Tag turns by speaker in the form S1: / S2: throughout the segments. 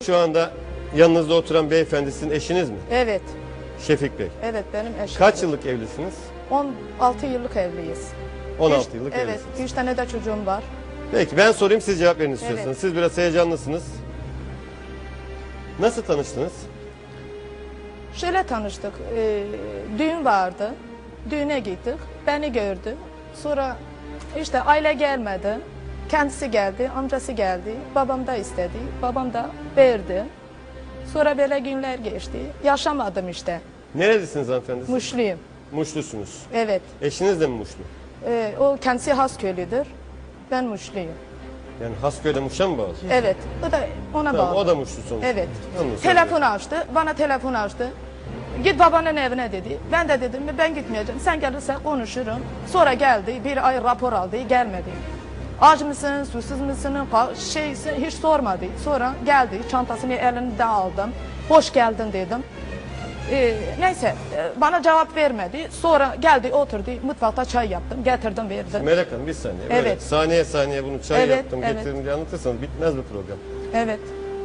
S1: Şu anda yanınızda oturan beyefendi sizin eşiniz mi?
S2: Evet.
S1: Şefik Bey.
S2: Evet benim eşim.
S1: Kaç yıllık evlisiniz?
S2: 16 yıllık evliyiz.
S1: 16 yıllık
S2: Evet.
S1: evlisiniz.
S2: 3 tane de çocuğum var.
S1: Peki ben sorayım, siz cevap verin istiyorsanız.
S2: Evet.
S1: Siz biraz heyecanlısınız. Nasıl tanıştınız?
S2: Şöyle tanıştık. Düğün vardı. Düğüne gittik. Beni gördü. Sonra işte aile gelmedi. Kendisi geldi, amcası geldi. Babam da istedi. Babam da verdi. Sonra böyle günler geçti. Yaşamadım işte.
S1: Nerelisiniz hanımefendi?
S2: Muşluyum.
S1: Muşlusunuz.
S2: Evet.
S1: Eşiniz de mi Muşlu?
S2: O kendisi Hasköylüdür. Ben Muşluyum.
S1: Yani Hasköy'de Muş'a mı bağlı?
S2: Evet. O da ona
S1: Tamam,
S2: bağlı.
S1: o da Muşlu sonuçta.
S2: Evet.
S1: Anladım.
S2: Telefon açtı. Bana telefon açtı. Git babanın evine dedi. Ben de dedim ben gitmeyeceğim. Sen gelirsen konuşurum. Sonra geldi. Bir ay rapor aldı. Gelmedi. Aç mısın, susuz musun, hiç sormadı. Sonra geldi. Çantasını elinden aldım. Hoş geldin dedim. Neyse bana cevap vermedi. Sonra geldi oturdu. Mutfakta çay yaptım. Getirdim verdim.
S1: Melek Hanım bir saniye.
S2: Evet.
S1: Böyle saniye saniye bunu çay
S2: Evet,
S1: yaptım
S2: evet.
S1: getirdim diye anlatırsanız bitmez bu program.
S2: Evet.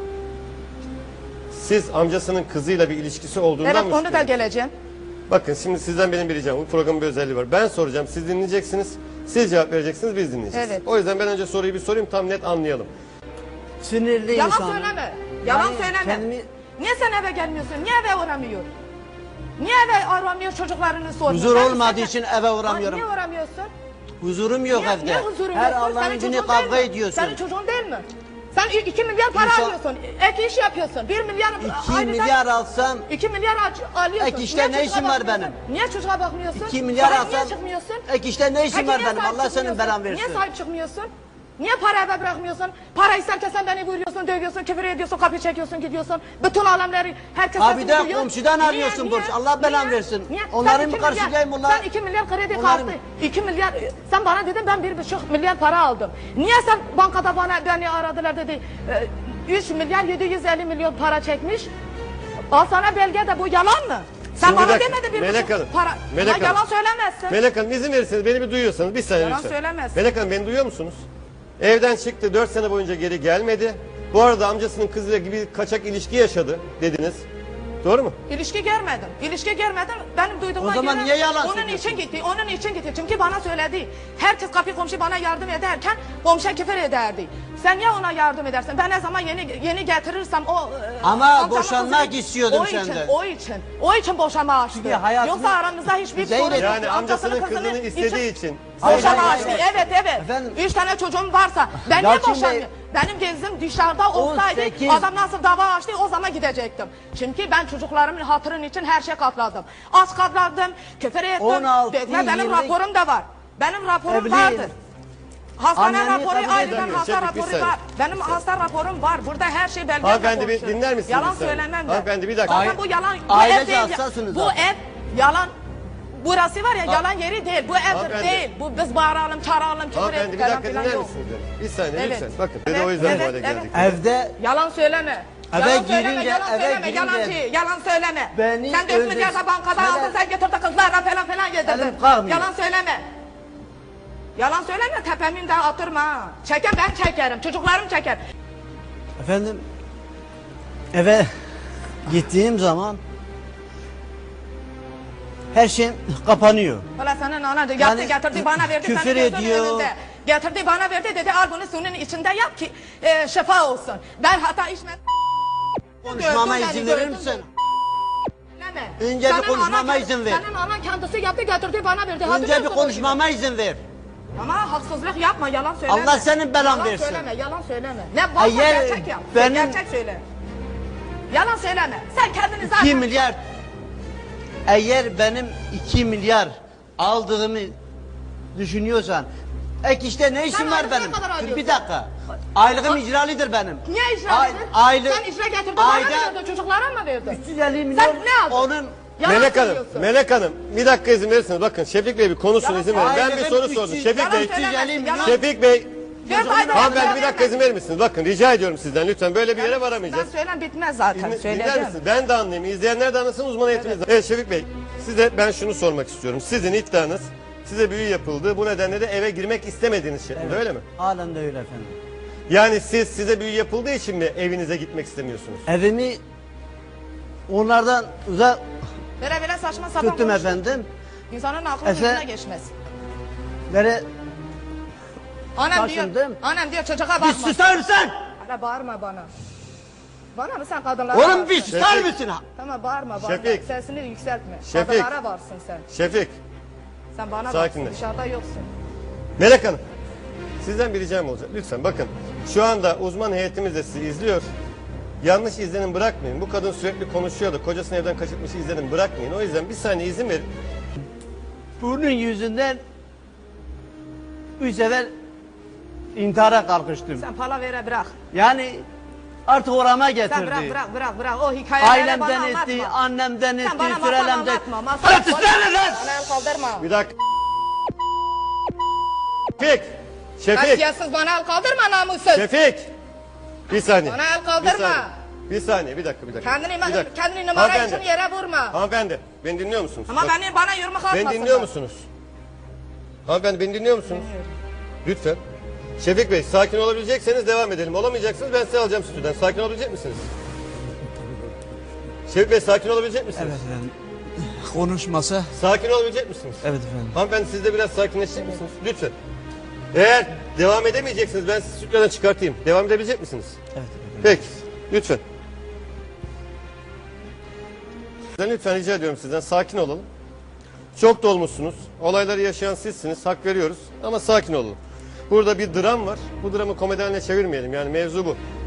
S1: Siz amcasının kızıyla bir ilişkisi olduğundan
S2: Evet
S1: mı
S2: onu da
S1: şüpheleniyorsunuz?
S2: geleceğim.
S1: Bakın şimdi sizden benim bir ricam. Bu programın bir özelliği var. Ben soracağım, siz dinleyeceksiniz. Siz cevap vereceksiniz, biz dinleyeceğiz.
S2: Evet.
S1: O yüzden ben önce soruyu bir sorayım, tam net anlayalım.
S3: Sinirli
S2: Yalan
S3: insan.
S2: söyleme. Yalan
S3: Yani
S2: söyleme.
S3: kendimi-
S2: Niye sen eve gelmiyorsun? Niye eve uğramıyor? Niye eve aramıyor çocuklarını sormuyor?
S3: Huzur
S2: Ben
S3: olmadığı
S2: istesem-
S3: için eve uğramıyorum.
S2: Niye uğramıyorsun?
S3: Huzurum yok
S2: Niye,
S3: evde.
S2: niye huzurun
S3: Her
S2: yok?
S3: Allah'ın
S2: Senin
S3: günü
S2: çocuğun
S3: kavga
S2: değil mi?
S3: ediyorsun.
S2: Senin çocuğun değil mi? Sen 2 milyar para
S3: İnşallah-
S2: alıyorsun. Ek iş yapıyorsun. 1 milyar
S3: 2
S2: aylık-
S3: milyar alsam
S2: 2 milyar alıyorsun.
S3: Ek işte
S2: Niye
S3: ne işim
S2: çocuğa
S3: var
S2: bakmıyorsun?
S3: benim?
S2: Niye çocuğa bakmıyorsun?
S3: 2 milyar
S2: Sahip niye
S3: alsam
S2: çıkmıyorsun?
S3: ek işte ne işim
S2: Peki
S3: var
S2: niye
S3: benim?
S2: sahip
S3: Allah senin
S2: çıkmıyorsun?
S3: belan versin.
S2: Niye sahip çıkmıyorsun? Niye para eve bırakmıyorsun? Para isterken sen beni vuruyorsun, dövüyorsun, küfür ediyorsun, kapı çekiyorsun, gidiyorsun. Bütün alemleri herkes
S3: Ha bir
S2: sesini
S3: de
S2: duyuyor.
S3: komşudan
S2: Niye,
S3: arıyorsun
S2: niye,
S3: borç. Allah belan
S2: niye,
S3: versin.
S2: niye?
S3: Onları
S2: Sen
S3: mı
S2: 2 milyar-
S3: karşılayayım onlar?
S2: Sen 2 milyar kredi
S3: Onları
S2: kartı,
S3: mı?
S2: 2 milyar, sen bana dedin ben 1,5 milyar para aldım. Niye sen bankada beni aradılar dedi, 3 milyar 750 milyon para çekmiş. Al sana belge de bu yalan mı? Sen
S1: Şimdi bir
S2: bana
S1: dakika,
S2: demedin
S1: Melek
S2: 1,5
S1: Hanım,
S2: para.
S1: Melek
S2: Ama yalan
S1: Hanım.
S2: söylemezsin.
S1: Melek Hanım izin verirseniz, beni bir duyuyorsanız bir saniye
S2: Yalan
S1: lütfen.
S2: söylemezsin.
S1: Melek Hanım beni duyuyor musunuz? Evden çıktı, 4 sene boyunca geri gelmedi. Bu arada amcasının kızıyla gibi kaçak ilişki yaşadı dediniz. Doğru mu?
S2: İlişki görmedim. İlişki görmedim. Benim duyduğuma
S3: O zaman
S2: göre
S3: niye yalan
S2: onun
S3: söylüyorsun?
S2: için gitti. Onun için gitti. Çünkü bana söyledi. Herkes kapı komşu bana yardım ederken komşu küfür ederdi. Sen niye ona yardım edersin? Ben ne zaman yeni getirirsem o
S3: Ama
S2: amcamın
S3: boşanmak
S2: kızını-
S3: istiyordum
S2: o için,
S3: senden.
S2: O için boşanma açtı.
S3: Çünkü hayatını-
S2: Yoksa aramızda hiçbir
S3: Zeynep-
S2: sorun yok.
S1: Yani amcasının kızını istediği için.
S2: Boşanma
S3: Hayır,
S2: açtı.
S3: hayır.
S2: Evet evet.
S3: Efendim?
S2: 3 tane çocuğum varsa ben niye
S3: Yalçın Bey-
S2: boşanmıyorum? Benim gezim dışarıda olsaydı
S3: 18
S2: adam nasıl dava açtı o zaman gidecektim. Çünkü ben çocuklarımın hatırın için her şey katladım. Az katladım, küfür ettim.
S3: 16
S2: Dövme benim
S3: yıllık
S2: raporum da var. Benim raporum
S3: evliyim.
S2: vardır. Hastane
S3: Anneni
S2: raporu
S3: kabul
S2: ayrıca
S1: edemiyor.
S2: hasta
S1: Şefik, bir
S2: raporu
S1: saniye.
S2: var. Benim hasta raporum var. Burada her şey belgeyle
S1: Hanımefendi bir
S2: konuşuyorum.
S1: dinler misiniz?
S2: Yalan
S1: bir saniye?
S2: söylemem ben.
S1: Hanımefendi bir dakika.
S2: Zaten bu yalan. Bu
S3: Ailece
S2: ev değil.
S3: hassasınız
S2: Bu
S3: zaten.
S2: ev yalan. Burası var ya yalan yeri değil. Bu evdir
S1: Hanımefendi.
S2: değil. Bu biz bağıralım, çağıralım, küfür
S1: Hanımefendi bir
S2: falan
S1: dakika
S2: filan
S1: dinler
S2: yok.
S1: misiniz beni? Bir saniye
S2: Evet.
S1: lütfen. Bakın bir de
S2: Evet,
S1: o yüzden bu
S2: evet,
S1: hale geldik.
S3: evde
S2: Yalan söyleme.
S3: Eve
S2: Yalan söyleme,
S3: girince-
S2: yalan
S3: eve
S2: söyleme,
S3: girince-
S2: yalancı, yalan söyleme.
S3: Beni
S2: Sen 4 milyar da bankada
S3: Neler-
S2: aldın, sen getirdin kızlarla falan yedirdin.
S3: Elim kalkmıyor.
S2: Yalan söyleme. Yalan söyleme, tepemin de atırma ha. Çeken ben çekerim, çocuklarım çeker.
S3: efendim eve gittiğim zaman her şey kapanıyor.
S2: Valla senin anan yaptı
S3: Yani
S2: getirdi bana verdi.
S3: küfür
S2: senin gözünün
S3: ediyor.
S2: önünde. Getirdi bana verdi dedi al bunu suyun içinde yap ki şifa olsun. Ben hata içmedim.
S3: Konuşmama
S2: Gördün
S3: izin
S2: beni,
S3: verir
S2: gördün
S3: misin?
S2: Söyleme.
S3: Önce bir
S2: Senin
S3: konuşmama
S2: anan-
S3: izin ver.
S2: Senin anan kendisi yaptı getirdi bana verdi.
S3: Önce bir
S2: Hatırlıyorsun
S3: konuşmama izin ver.
S2: ama haksızlık yapma, yalan söyleme.
S3: Allah senin belan
S2: yalan
S3: versin.
S2: Söyleme, yalan söyleme. Ne varsa
S3: Eğer
S2: gerçek yap.
S3: benim-
S2: Gerçek söyle. Yalan söyleme. Sen kendini zaten...
S3: 2 milyar eğer benim 2 milyar aldığımı düşünüyorsan ek işte ne işim
S2: Sen
S3: var
S2: aylık
S3: benim?
S2: ne kadar alıyorsun?
S3: Bir dakika. Aylığım icralıdır benim.
S2: Niye icra edin?
S3: Aylık.
S2: Sen icra getirdin bana mı verdin? Çocuklara mı verdin?
S3: 350 milyon
S2: Sen ne aldın?
S3: onun
S2: Yalan
S1: Melek Hanım,
S2: söylüyorsun.
S1: Melek Hanım bir dakika izin verirseniz bakın Şefik Bey bir konuşsun
S2: Yalan
S1: izin verin. Ben bir
S3: söyleme.
S1: soru
S3: Aileden
S1: sordum.
S3: 300
S1: Şefik
S2: Yalan
S1: Bey,
S2: söylemezsin, yalan.
S1: Şefik Bey,
S2: 4 ayda
S1: hanımefendi bir dakika izin verir misiniz? Bakın rica ediyorum sizden lütfen böyle bir yere
S2: Ben
S1: varamayacağız.
S2: söylem bitmez zaten.
S1: Dinler
S2: Söyleyeceğim.
S1: misiniz? Ben de anlayayım. İzleyenler de anlasın, uzman eğitiminiz. Evet Şefik Bey, size ben şunu sormak istiyorum. Sizin iddianız size büyü yapıldı. Bu nedenle de eve girmek istemediğiniz şeklinde öyle mi?
S3: halen de öyle efendim.
S1: Yani size büyü yapıldığı için mi evinize gitmek istemiyorsunuz?
S3: Evimi onlardan uzak
S2: Böyle saçma sapan
S3: tuttum
S2: konuşma.
S3: efendim.
S2: İnsanın aklı
S3: Efe-
S2: yüzüne geçmez.
S3: Böyle
S2: Annem diyor,
S3: taşındım.
S2: annem diyor çocuğa
S3: bir
S2: bakma.
S3: susar mısın?
S2: Hala bağırma bana. Bana mı sen kadınlara varsın?
S3: Oğlum bir susar
S1: Şefik.
S3: mısın?
S2: Tamam bağırma bana.
S1: Şefik.
S2: Sesini yükseltme.
S1: Şefik.
S2: Kadınlara varsın sen.
S1: Şefik,
S2: Sen bana
S1: Sakinleş.
S2: varsın dışarıda yoksun.
S1: Melek Hanım. Sizden bir ricam olacak. Lütfen bakın. Şu anda uzman heyetimiz de sizi izliyor. Yanlış izlenim bırakmayın. Bu kadın sürekli konuşuyordu. Kocasını evden kaçırmış izlenim bırakmayın. O yüzden bir saniye izin verin.
S3: Bunun yüzünden 3 sefer intihara kalkıştım.
S2: Sen palavere bırak.
S3: Yani artık orama
S2: Sen
S3: getirdi.
S2: bırak. O hikayeleri bana
S3: Ailemden
S2: anlatma.
S3: etti, annemden etti,
S2: Sen bana masal
S3: sürelemden.
S2: anlatma. Masal
S3: Hadi susana lan!
S2: Bana el kaldırma.
S1: Bir dakika. Şefik. Şefik.
S2: Kasiyatsız bana el kaldırma namussuz.
S1: Şefik. Bir saniye.
S2: Bana el kaldırma.
S1: Bir saniye. Bir saniye. Bir dakika.
S2: Kendini numara
S1: Hanımefendi.
S2: için yere vurma.
S1: Hanımefendi. Beni dinliyor musunuz?
S2: Ama
S1: Bak,
S2: bana yürümek atmasın.
S1: beni dinliyor musunuz? Hanımefendi beni dinliyor musunuz? Lütfen. Şefik Bey sakin olabilecekseniz devam edelim. Olamayacaksınız ben size alacağım stüdyodan. Sakin olabilecek misiniz? Şefik Bey sakin olabilecek misiniz?
S4: Evet efendim. Konuşmasa.
S1: Sakin olabilecek misiniz?
S4: Evet efendim.
S1: Hanımefendi siz de biraz sakinleşecek misiniz? Lütfen. Eğer devam edemeyeceksiniz ben sizi stüdyodan çıkartayım. Devam edebilecek misiniz?
S4: Evet efendim.
S1: Peki. Lütfen. Sizden lütfen rica ediyorum sizden sakin olalım. Çok dolmuşsunuz. Olayları yaşayan sizsiniz. Hak veriyoruz. Ama sakin olun. Burada bir dram var. Bu dramı komedi haline çevirmeyelim. Yani mevzu bu.